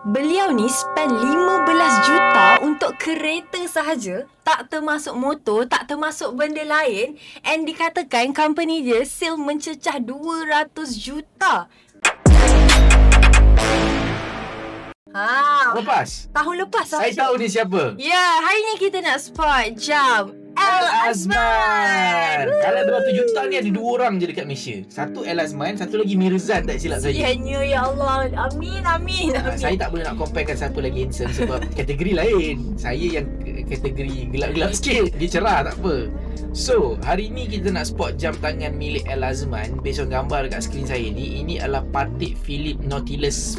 Beliau ni spend 15 juta untuk kereta sahaja, tak termasuk motor, tak termasuk benda lain, and dikatakan company dia sale mencecah 200 juta. Lepas? Tahun lepas Saya tahu ni siapa. Ya, hari ni kita nak spot jam Al Azman. Kalau 200 juta ni ada 2 orang je dekat Malaysia. Satu Al Azman, satu lagi Mirzan, tak silap saya. Sianya, ya Allah. Amin, amin, amin. Saya tak boleh nak comparekan siapa lagi handsome sebab kategori lain. Saya yang kategori gelap-gelap sikit. Dia cerah, tak apa. So, hari ni kita nak spot jam tangan milik Al Azman. Based on gambar dekat skrin saya ni, ini adalah Patek Philippe Nautilus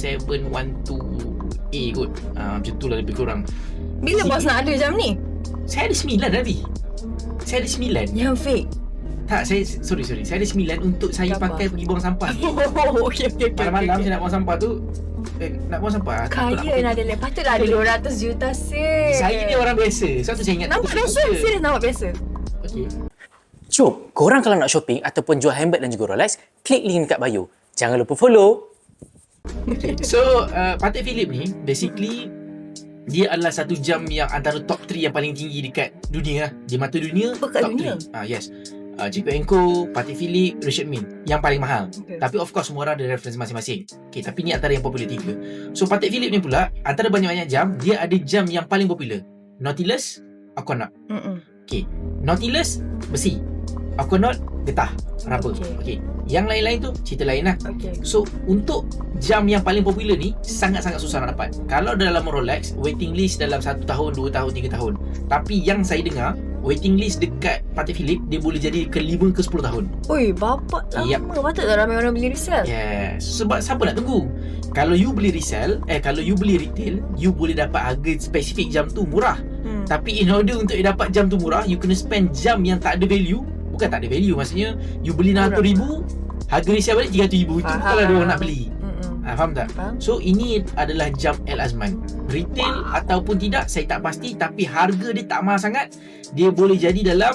5712A kot. Macam tu lah lebih kurang. Bila bos nak ada jam ni? Saya ada 9 tadi. Saya ada 9. Yang fake. Tak, sorry. Saya ada 9 untuk saya Gambar. pakai pergi buang sampah. Oh, okey. Malam-malam saya nak buang sampah tu. Nak buang sampah. Kaya Nadia. Patutlah ada 200 juta sih. Saya ni orang biasa. Sebab tu saya ingat. Nampak biasa? Serius nampak biasa? Okay. Jom, korang kalau nak shopping ataupun jual handbag dan juga Rolex, klik link dekat bio. Jangan lupa follow. Okay. So, Patek Philippe ni basically dia adalah satu jam yang antara top 3 yang paling tinggi dekat dunia lah. Di mata dunia, Dekat top dunia? 3. Yes. JP & Co, Patek Philippe, Richard Mille yang paling mahal. Okay. Tapi of course semua orang ada reference masing-masing. Okay, tapi ni antara yang popular 3. So Patek Philippe ni pula antara banyak-banyak jam, dia ada jam yang paling popular. Nautilus, Aquanaut. Okay, Nautilus besi, Aquanaut getah, rubber. Okay. Yang lain-lain tu cerita lain lah. Okay. So untuk jam yang paling popular ni sangat-sangat susah nak dapat. Kalau dalam Rolex, waiting list dalam 1 tahun, 2 tahun, 3 tahun. Tapi yang saya dengar, waiting list dekat Patek Philippe dia boleh jadi ke 5 ke 10 tahun. Oi, bapak lama. Yep. Patutlah ramai orang beli resell. Yes. Sebab siapa nak tunggu? Kalau you beli resell, kalau you beli retail, you boleh dapat harga spesifik jam tu murah. Tapi in order untuk you dapat jam tu murah, you kena spend jam yang tak ada value. Bukan tak ada value, maksudnya you beli RM600,000, harga resell balik RM300,000. Itu bukanlah dia orang nak beli. Faham tak? Faham. So ini adalah jam Al Azman. Retail ataupun tidak saya tak pasti, tapi harga dia tak mahal sangat. Dia boleh jadi dalam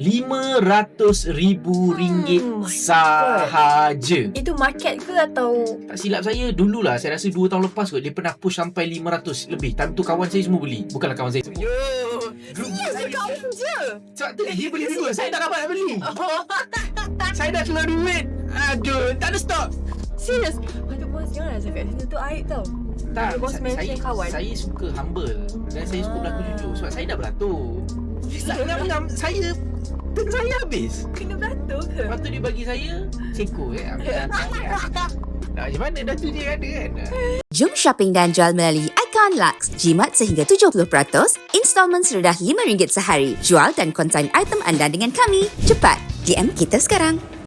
RM500,000 sahaja. Itu market ke atau Tak silap saya, dululah saya rasa 2 tahun lepas kot dia pernah push sampai 500 lebih. Time tu kawan saya semua beli. Bukanlah kawan saya. serius kawan je? Sebab tu dia beli dulu. Saya tak dapat nak beli. Saya dah keluar duit. Aduh, tak ada stok. Serius? Patut bos janganlah cakap macam tu aib tau. Tak, Bos mention kawan. Saya suka humble dan saya suka berlaku jujur. Sebab saya dah beratur. Saya turn saya habis. Kena beratur ke? Lepas tu dia bagi saya seko macam mana dah tu dia ada kan. Jom shopping dan jual melalui Icon Lux. Jimat sehingga 70%, installment serendah RM5 sehari. Jual dan konsign item anda dengan kami. Cepat, DM kita sekarang.